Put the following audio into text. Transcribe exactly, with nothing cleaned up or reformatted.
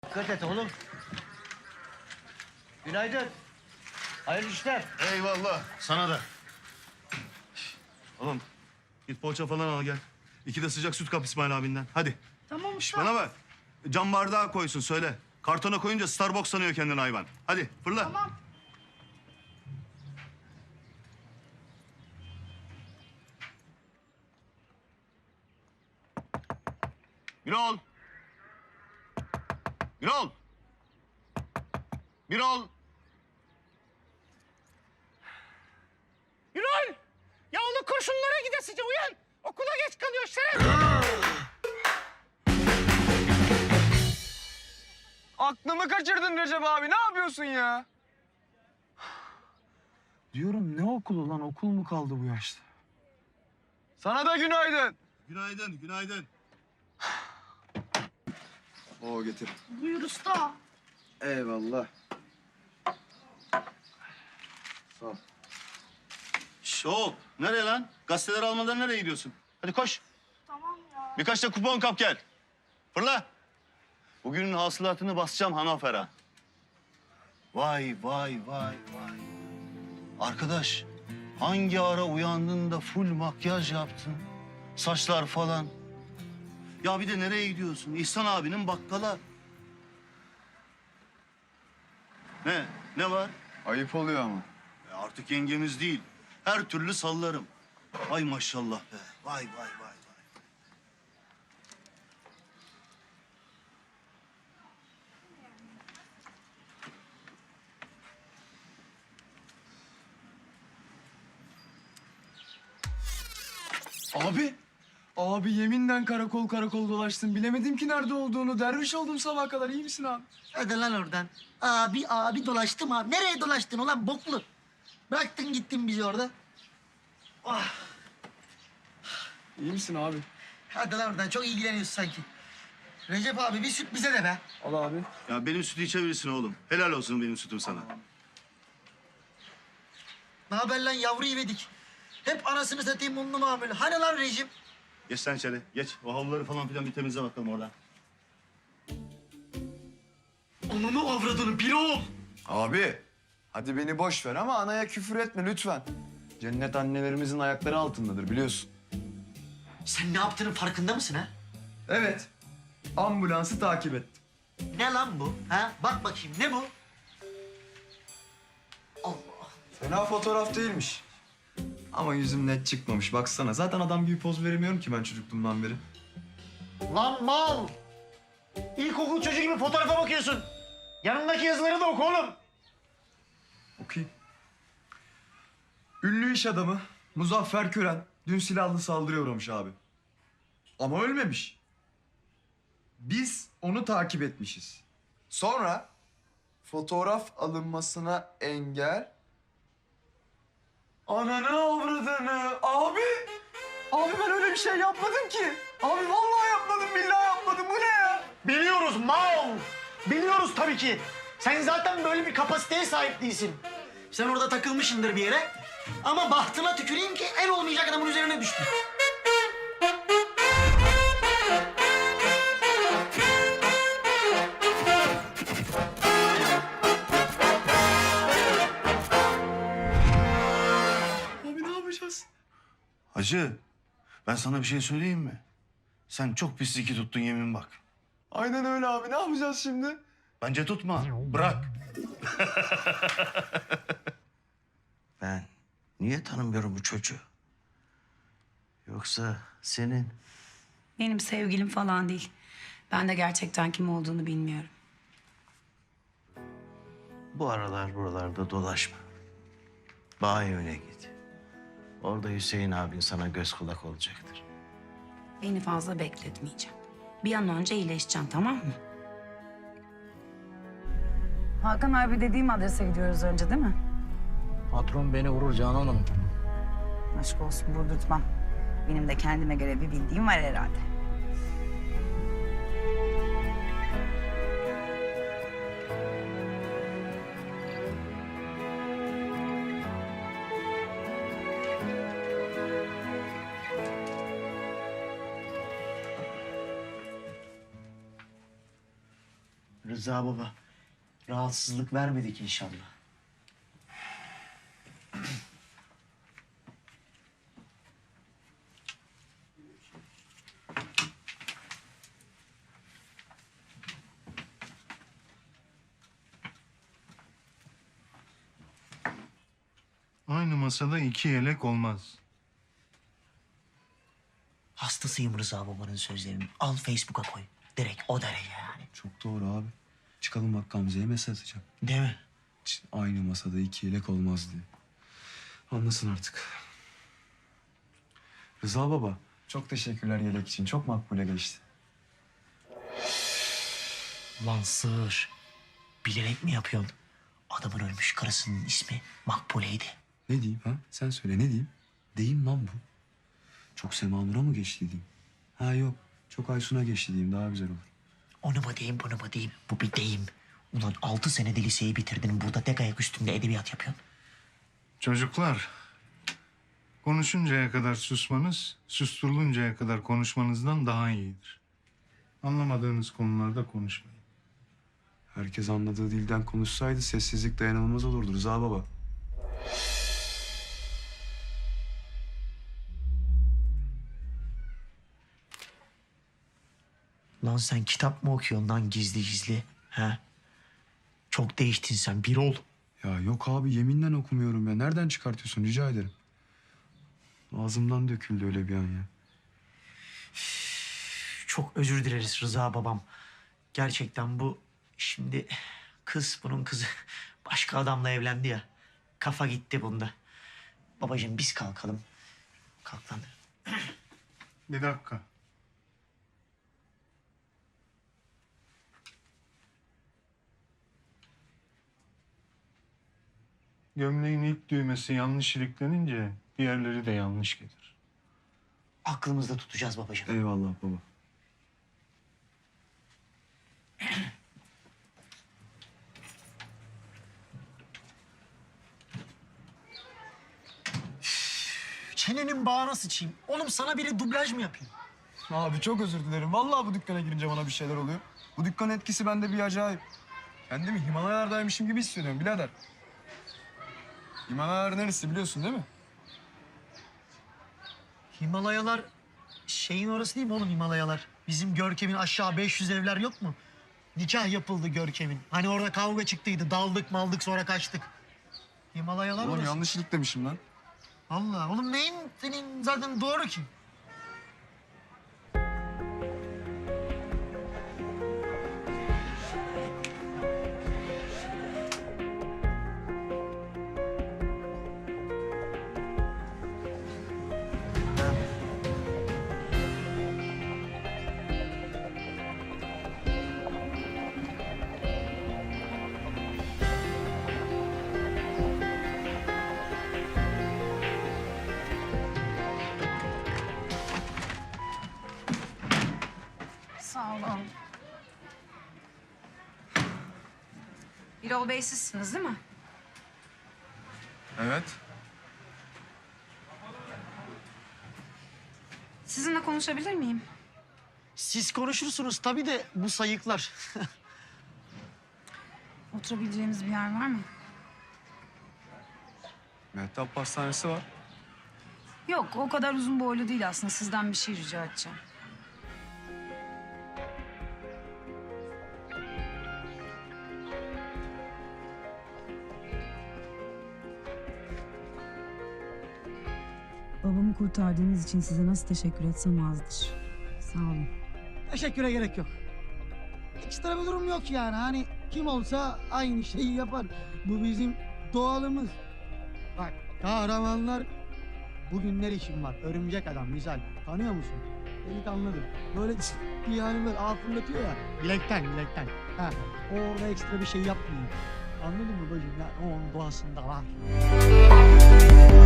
Dikkat et oğlum. Günaydın. Hayırlı işler. Eyvallah. Sana da. Oğlum git poğaça falan al gel. İki de sıcak süt kap İsmail abinden. Hadi. Tamam Şş, usta. bana bak. Cam bardağı koysun söyle. Kartona koyunca Starbucks sanıyor kendini hayvan. Hadi fırla. Tamam. Birol. Birol. Birol. Yürol! Yavru kurşunlara gidesice uyan. Okula geç kalıyor şeref. Aklımı kaçırdın Recep abi. Ne yapıyorsun ya? Diyorum ne okulu lan? Okul mu kaldı bu yaşta? Sana da günaydın. Günaydın, günaydın. Oo getir. Buyur usta. Eyvallah. Sağ ol. Şş, hop. Nereye lan? Gazeteler almadan nereye gidiyorsun? Hadi koş. Tamam ya. Birkaç da kupon kap gel. Fırla. Bugünün hasılatını basacağım Hanafer'a. Vay vay vay vay. Arkadaş hangi ara uyandın da full makyaj yaptın? Saçlar falan. Ya bir de nereye gidiyorsun? İhsan abinin bakkala. Ne? Ne var? Ayıp oluyor ama. E artık yengemiz değil. Her türlü sallarım. Vay maşallah be. Vay vay vay vay. Abi. Abi yeminle karakol karakol dolaştım. Bilemedim ki nerede olduğunu. Derviş oldum sabah kadar. İyi misin abi? Hadi lan oradan. Abi abi dolaştım abi. Nereye dolaştın ulan boklu? Bıraktın gittin bizi orada. İyi misin abi? Hadi lan oradan çok ilgileniyorsun sanki. Recep abi bir süt bize de be. Al abi. Ya benim sütü içebilirsin oğlum. Helal olsun benim sütüm sana. Ne haber lan yavru yedik. Hep anasını satayım unlu mamul. Hani lan rejim? Geç sen içeri. Geç. O havluları falan filan bir temizle bakalım orada. Ananı avradını bir ol. Abi. Hadi beni boş ver ama anaya küfür etme lütfen. Cennet annelerimizin ayakları altındadır biliyorsun. Sen ne yaptığının farkında mısın ha? Evet. Ambulansı takip ettim. Ne lan bu? Ha? Bak bakayım ne bu? Allah. Fena fotoğraf değilmiş. Ama yüzüm net çıkmamış. Baksana zaten adam gibi poz veremiyorum ki ben çocukluğumdan beri. Lan mal. İlkokul çocuğu gibi fotoğrafa bakıyorsun. Yanındaki yazıları da oku oğlum. Okuyayım. Ünlü iş adamı Muzaffer Kören dün silahlı saldırıya uğramış abi. Ama ölmemiş. Biz onu takip etmişiz. Sonra fotoğraf alınmasına engel... Ananı avradını abi. Abi ben öyle bir şey yapmadım ki. Abi vallahi yapmadım, billahi yapmadım. Bu ne ya? Biliyoruz mal. Biliyoruz tabii ki. Sen zaten böyle bir kapasiteye sahip değilsin. Sen orada takılmışsındır bir yere. Ama bahtına tüküreyim ki en olmayacak adamın üzerine düştün. Abi ne yapacağız? Hacı, ben sana bir şey söyleyeyim mi? Sen çok pis iki tuttun yemin bak. Aynen öyle abi. Ne yapacağız şimdi? Bence tutma, bırak. Ben niye tanımıyorum bu çocuğu? Yoksa senin? Benim sevgilim falan değil. Ben de gerçekten kim olduğunu bilmiyorum. Bu aralar buralarda dolaşma. Banyoya git. Orada Hüseyin abin sana göz kulak olacaktır. Beni fazla bekletmeyeceğim. Bir an önce iyileşeceğim, tamam mı? Hakan abi dediğim adrese gidiyoruz önce değil mi? Patron beni vurur Canan Hanım. Aşk olsun vurdurtmam. Benim de kendime göre bir bildiğim var herhalde. Rıza baba, rahatsızlık vermedik inşallah. Aynı masada iki yelek olmaz. Hastasıyım Rıza babanın sözlerinin. Al Facebook'a koy. Direkt o derece yani. Çok doğru abi. Çıkalım bak Gamze'ye mesaj atacağım. Değil mi? Hiç aynı masada iki yelek olmaz diye. Anlasın artık. Rıza baba, çok teşekkürler yelek için. Çok makbule geçti. Lan sığır. Bilerek mi yapıyorsun? Adamın ölmüş karısının ismi Makbule'ydi. Ne diyeyim ha? Sen söyle ne diyeyim? Deyim lan bu. Çok Sema Nur'a mı geçti diyeyim? Ha yok. Çok Aysun'a geçti diyeyim. Daha güzel olur. Onu mu diyeyim, bunu mu diyeyim? Bu bir deyim. Ulan altı senede liseyi bitirdin. Burada tek ayak üstünde edebiyat yapıyorsun. Çocuklar, konuşuncaya kadar susmanız, susturuluncaya kadar konuşmanızdan daha iyidir. Anlamadığınız konularda konuşmayın. Herkes anladığı dilden konuşsaydı sessizlik dayanılmaz olurdu Rıza baba. Lan sen kitap mı okuyorsun lan gizli gizli? He? Çok değiştin sen. Bir ol. Ya yok abi yeminle okumuyorum ya. Nereden çıkartıyorsun rica ederim. Ağzımdan döküldü öyle bir an ya. Çok özür dileriz Rıza babam. Gerçekten bu şimdi kız bunun kızı başka adamla evlendi ya. Kafa gitti bunda. Babacığım biz kalkalım. Kalk lan. Bir dakika. Gömleğin ilk düğmesi yanlış iliklenince diğerleri de yanlış gelir. Aklımızda tutacağız babacığım. Eyvallah baba. Çenenin bağına sıçayım. Oğlum sana biri dublaj mı yapayım? Abi çok özür dilerim. Vallahi bu dükkana girince bana bir şeyler oluyor. Bu dükkanın etkisi bende bir acayip. Kendimi Himalayalardaymışım gibi hissediyorum birader. Himalayalar neresi biliyorsun değil mi? Himalayalar şeyin orası değil mi oğlum Himalayalar? Bizim Görkem'in aşağı beş yüz evler yok mu? Nikah yapıldı Görkem'in. Hani orada kavga çıktıydı. Daldık maldık sonra kaçtık. Himalayalar Oğlum orası. yanlışlık demişim lan. Allah oğlum neyin senin zaten doğru ki? Sağ olun. Birol Bey sizsiniz değil mi? Evet. Sizinle konuşabilir miyim? Siz konuşursunuz tabii de bu sayıklar. Oturabileceğimiz bir yer var mı? Mehtap Pastanesi var. Yok, o kadar uzun boylu değil aslında. Sizden bir şey rica edeceğim. Babamı kurtardığınız için size nasıl teşekkür etsem azdır. Sağ olun. Teşekküre gerek yok. Ekstra bir durum yok yani. Hani kim olsa aynı şeyi yapar. Bu bizim doğalımız. Bak kahramanlar bugünler için var. Örümcek adam misal. Tanıyor musun? Delikanlıdır. Böyle yani böyle ağ fırlatıyor ya. Bilekten bilekten. Ha, o orada ekstra bir şey yapmıyor. Anladın mı bacım? Ya o onun doğasında var.